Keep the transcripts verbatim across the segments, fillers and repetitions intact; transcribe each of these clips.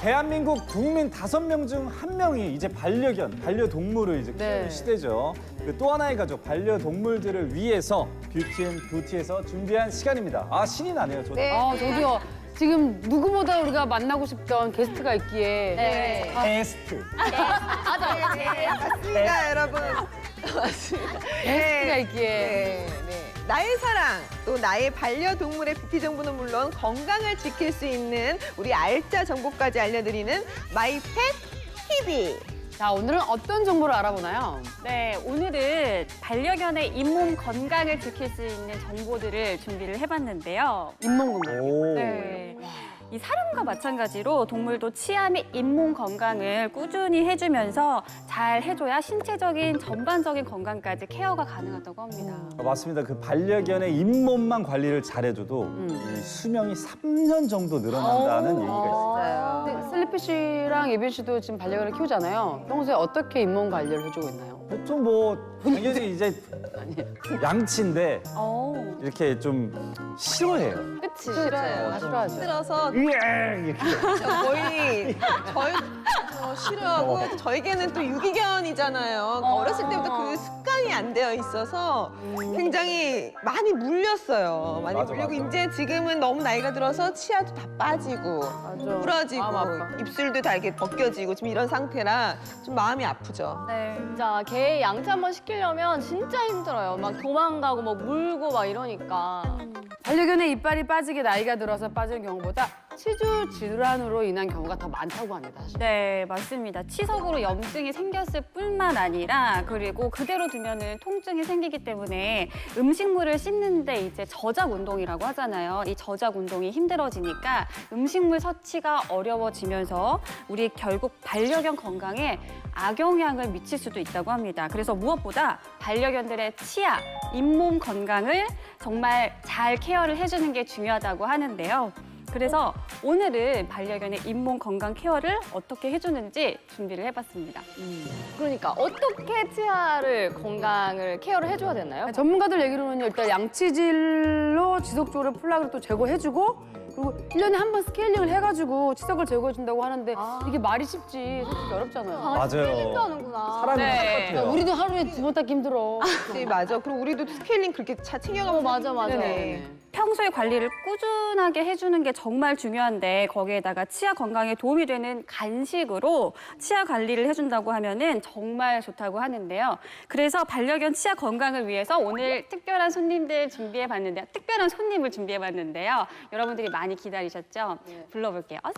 대한민국 국민 다섯 명 중 한 명이 이제 반려견, 반려동물을 이제 키우는 네. 시대죠. 그 또 하나의 가족, 반려동물들을 위해서 뷰티앤부티에서 준비한 시간입니다. 아, 신이 나네요. 저. 네. 아, 저도요. 지금 누구보다 우리가 만나고 싶던 게스트가 있기에. 네. 게스트. 맞아요. 네, 맞습니다, 여러분. 맞습니다. 게스트가 있기에. 네, 네. 나의 사랑, 또 나의 반려동물의 뷰티 정보는 물론 건강을 지킬 수 있는 우리 알짜 정보까지 알려드리는 마이펫 티비. 자, 오늘은 어떤 정보를 알아보나요? 네, 오늘은 반려견의 잇몸 건강을 지킬 수 있는 정보들을 준비를 해봤는데요. 잇몸 건강. 오. 네. 이 사람과 마찬가지로 동물도 치아 및 잇몸 건강을 꾸준히 해주면서 잘 해줘야 신체적인 전반적인 건강까지 케어가 가능하다고 합니다. 아, 맞습니다. 그 반려견의 잇몸만 관리를 잘해줘도 음. 이 수명이 삼 년 정도 늘어난다는 얘기가 있어요. 맞아요. 근데 슬리피 씨랑 예빈 씨도 지금 반려견을 키우잖아요. 평소에 어떻게 잇몸 관리를 해주고 있나요? 보통 뭐 당연히 이제 양치인데 오. 이렇게 좀 싫어해요. 그치, 싫어요. 다 싫어하죠. 힘들어서 이렇게. 거의 저희 어, 싫어하고 저에게는 또 유기견이잖아요. 어렸을 때부터 그 습관이 안 되어 있어서 굉장히 많이 물렸어요. 많이 맞아, 물리고 맞아. 이제 지금은 너무 나이가 들어서 치아도 다 빠지고 맞아. 부러지고 마음 아파. 입술도 다 이렇게 벗겨지고 지금 이런 상태라 좀 마음이 아프죠. 네. 진짜 개 양치 한번 시키려면 진짜 힘들어요. 막 도망가고 막 물고 막 이러니까. 반려견의 이빨이 빠지게 나이가 들어서 빠지는 경우보다 치주 질환으로 인한 경우가 더 많다고 합니다. 사실. 네, 맞습니다. 치석으로 염증이 생겼을 뿐만 아니라 그리고 그대로 두면은 통증이 생기기 때문에 음식물을 씹는데 이제 저작 운동이라고 하잖아요. 이 저작 운동이 힘들어지니까 음식물 섭취가 어려워지면서 우리 결국 반려견 건강에 악영향을 미칠 수도 있다고 합니다. 그래서 무엇보다 반려견들의 치아, 잇몸 건강을 정말 잘 케어를 해주는 게 중요하다고 하는데요. 그래서 오늘은 반려견의 잇몸 건강 케어를 어떻게 해주는지 준비를 해봤습니다. 그러니까 어떻게 치아를 건강을 케어를 해줘야 되나요? 전문가들 얘기로는 일단 양치질로 지속적으로 플라그를 또 제거해주고 그리고 일 년에 한 번 스케일링을 해가지고 치석을 제거해준다고 하는데 이게 말이 쉽지 솔직히 어렵잖아요. 맞아요. 하는구나. 사람이 네. 똑같아요. 우리도 하루에 두 번 닦기 힘들어. 네, 맞아. 그리고 우리도 스케일링 그렇게 잘 챙겨가면 어, 맞아, 맞아. 네. 평소에 관리를 꾸준하게 해주는 게 정말 중요한데 거기에다가 치아 건강에 도움이 되는 간식으로 치아 관리를 해준다고 하면은 정말 좋다고 하는데요. 그래서 반려견 치아 건강을 위해서 오늘 특별한 손님들 준비해봤는데요. 특별한 손님을 준비해봤는데요. 여러분들이 많이 기다리셨죠? 불러볼게요. 어서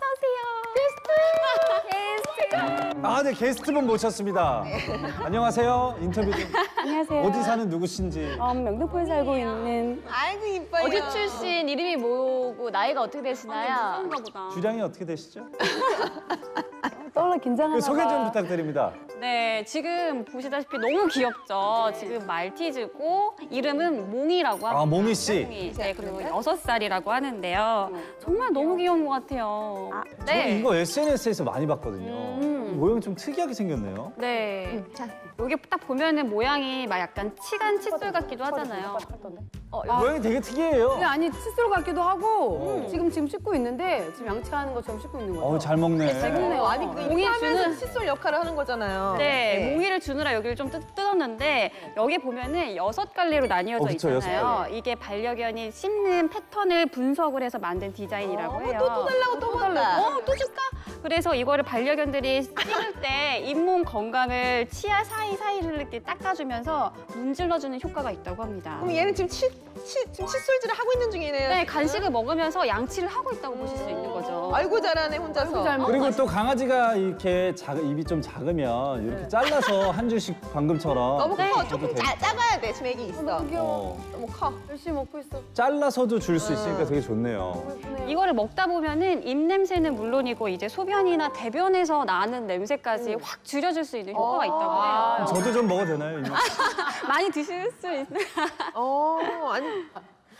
오세요. 아, 네, 게스트분 모셨습니다. 안녕하세요. 인터뷰 좀. 안녕하세요. 어디 사는 누구신지. 어, 명동포에 살고 있는 아이고 이뻐요. 어디 출신, 이름이 뭐고, 나이가 어떻게 되시나요? 무서운가 보다. 주량이 어떻게 되시죠? 떠올라 긴장하나 그 소개 좀 봐. 부탁드립니다. 네, 지금 보시다시피 너무 귀엽죠. 지금 말티즈고 이름은 몽이라고 합니다. 아, 몽이 씨. 몽이. 네, 그리고 여섯 살이라고 하는데요. 정말 너무 귀여운 것 같아요. 저는 네. 이거 에스엔에스에서 많이 봤거든요. 음. 모양이 좀 특이하게 생겼네요. 네. 여기 딱 보면은 모양이 막 약간 치간 칫솔 같기도 하잖아요. 어, 모양이 되게 특이해요. 근데 아니 칫솔 같기도 하고 지금 지금 씻고 있는데 지금 양치하는 것처럼 씻고 있는 거죠. 어, 잘 먹네. 먹네요. 아니 그 몽이 이렇게 하면서 주는 칫솔 역할을 하는 거잖아요. 네, 몽이를 주느라 여기를 좀 뜯, 뜯었는데 여기 보면은 여섯 갈래로 나뉘어져 어, 그쵸, 여섯 있잖아요. 갈래. 이게 반려견이 씹는 패턴을 분석을 해서 만든 디자인이라고 해요. 또, 또 달라고 또 달라. 어, 또 줄까? 그래서 이거를 반려견들이 씹을 때 잇몸 건강을 치아 사이사이를 이렇게 닦아주면서 문질러주는 효과가 있다고 합니다. 그럼 얘는 지금 치, 치, 지금 칫솔질을 하고 있는 중이네요. 네, 간식을 먹으면서 양치를 하고 있다고 보실 수 있는 거죠. 아이고 잘하네 혼자서. 잘 먹- 그리고 또 강아지가 이렇게 작, 입이 좀 작으면 이렇게 잘라서 한 줄씩 방금처럼 너무 네. 커. 줘도 조금 돼. 짜, 작아야 돼. 지금 애기 있어. 어, 너무 커. 열심히 먹고 있어. 잘라서도 줄 수 있으니까 되게 좋네요. 이거를 먹다 보면은 입 냄새는 물론이고 이제 소변이나 대변에서 나는 냄새까지 확 줄여줄 수 있는 효과가 있다고 해요. 저도 좀 먹어도 되나요? 이모? 많이 드실 수 있어요. 어 아니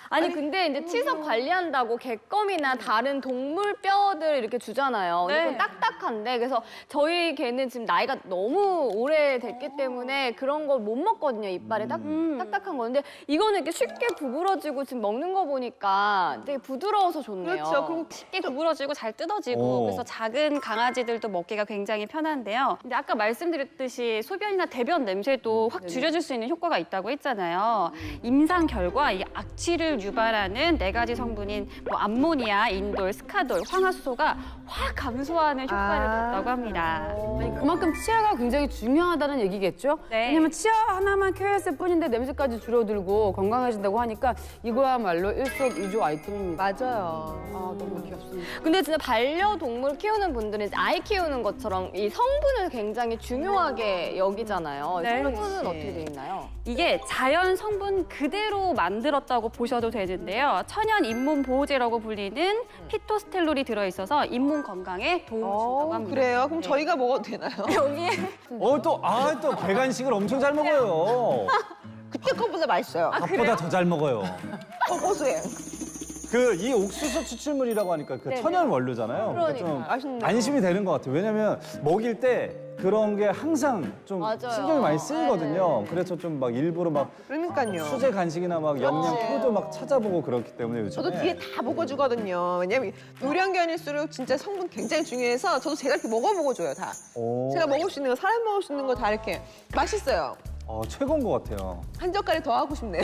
아니, 근데 이제 치석 관리한다고 개껌이나 다른 동물 뼈들 이렇게 주잖아요. 근데 네. 그건 딱딱한데 그래서 저희 개는 지금 나이가 너무 오래됐기 때문에 그런 걸 못 먹거든요. 이빨에 딱, 딱딱한 거. 근데 이거는 이렇게 쉽게 구부러지고 지금 먹는 거 보니까 되게 부드러워서 좋네요. 그렇죠. 그럼 쉽게 구부러지고 잘 뜯어지고 오. 그래서 작은 강아지들도 먹기가 굉장히 편한데요. 근데 아까 말씀드렸듯이 소변이나 대변 냄새도 확 줄여줄 수 있는 효과가 있다고 했잖아요. 임상 결과 이 악취를 유발하는 네 가지 성분인 뭐 암모니아, 인돌, 스카돌, 황화수소가 확 감소하는 효과를 아. 냈다고 합니다. 아니, 그만큼 치아가 굉장히 중요하다는 얘기겠죠? 네. 왜냐면 치아 하나만 케어했을 뿐인데 냄새까지 줄어들고 건강해진다고 하니까 이거야말로 일석이조 아이템입니다. 맞아요. 아, 너무 귀엽습니다. 근데 진짜 반려동물 키우는 분들은 이제 아이 키우는 것처럼 이 성분을 굉장히 중요하게 여기잖아요. 네. 성분은 어떻게 돼 있나요? 이게 자연 성분 그대로 만들었다고 보셔도 되는데요. 천연 잇몸 보호제라고 불리는 피토스텔롤이 들어있어서 잇몸 건강에 도움을 준다고 어, 합니다. 그래요? 그럼 저희가 먹어도 되나요? 여기에 어, 또, 아, 또 개간식을 엄청 잘 먹어요. 그때 것보다 맛있어요. 밥보다 더 잘 먹어요. 어, 고소해. 그 이 옥수수 추출물이라고 하니까 그 네네. 천연 원료잖아요. 그러니까 좀 맛있네요. 안심이 되는 것 같아요. 왜냐면 먹일 때 그런 게 항상 좀 맞아요. 신경이 많이 쓰이거든요. 네. 그래서 좀 막 일부러 막 그러니까요. 수제 간식이나 막 영양 그렇지. 표도 막 찾아보고 그렇기 때문에 요즘에. 저도 뒤에 다 먹어주거든요. 왜냐면 노령견일수록 진짜 성분 굉장히 중요해서 저도 제가 이렇게 먹어보고 줘요, 다. 오. 제가 먹을 수 있는 거, 사람 먹을 수 있는 거 다 이렇게 맛있어요. 어, 최고인 것 같아요. 한 젓갈이 더 하고 싶네요.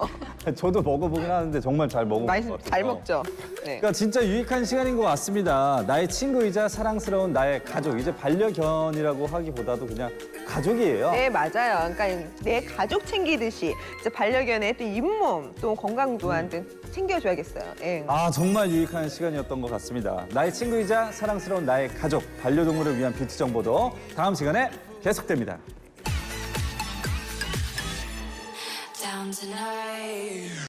저도 먹어보긴 하는데 정말 잘 먹은 것 맛있, 같아요. 잘 먹죠. 네. 그러니까 진짜 유익한 시간인 것 같습니다. 나의 친구이자 사랑스러운 나의 가족. 이제 반려견이라고 하기보다도 그냥 가족이에요. 네, 맞아요. 그러니까 내 가족 챙기듯이 이제 반려견의 또 잇몸, 또 건강 또한 또 챙겨줘야겠어요. 예. 아, 정말 유익한 시간이었던 것 같습니다. 나의 친구이자 사랑스러운 나의 가족, 반려동물을 위한 뷰티 정보도 다음 시간에 계속됩니다. Down tonight.